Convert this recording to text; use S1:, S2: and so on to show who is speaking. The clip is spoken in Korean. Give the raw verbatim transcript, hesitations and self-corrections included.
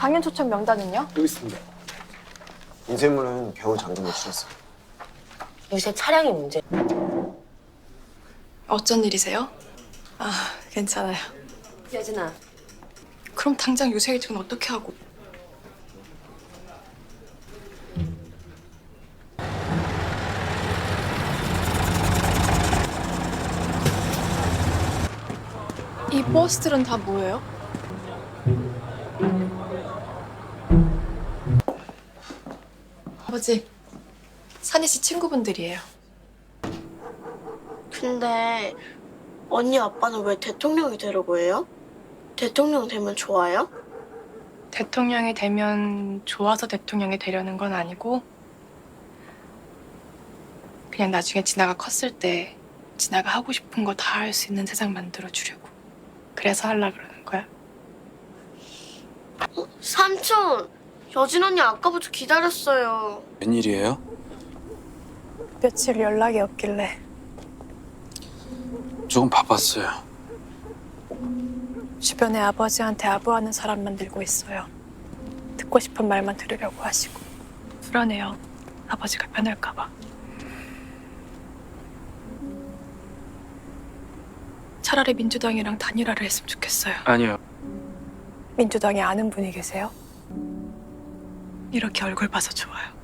S1: 당연 초청 명단은요?
S2: 여기 있습니다. 인쇄물은 겨우 잠금 노출했어요.
S3: 요새 차량이 문제.
S1: 어쩐 일이세요? 아, 괜찮아요.
S3: 여진아,
S1: 그럼 당장 유세 일정은 어떻게 하고? 이 버스들은 다 뭐예요? 아버지, 산희 씨 친구분들이에요.
S4: 근데 언니 아빠는 왜 대통령이 되려고 해요? 대통령 되면 좋아요?
S1: 대통령이 되면 좋아서 대통령이 되려는 건 아니고 그냥 나중에 진아가 컸을 때 진아가 하고 싶은 거 다 할 수 있는 세상 만들어주려고. 그래서 하려고 그러는 거야.
S4: 어? 삼촌! 여진 언니 아까부터 기다렸어요.
S5: 웬일이에요?
S1: 며칠 연락이 없길래.
S5: 조금 바빴어요.
S1: 주변에 아버지한테 아부하는 사람 만들고 있어요. 듣고 싶은 말만 들으려고 하시고. 불안해요. 아버지가 변할까 봐. 차라리 민주당이랑 단일화를 했으면 좋겠어요.
S5: 아니요.
S1: 민주당에 아는 분이 계세요? 이렇게 얼굴 봐서 좋아요.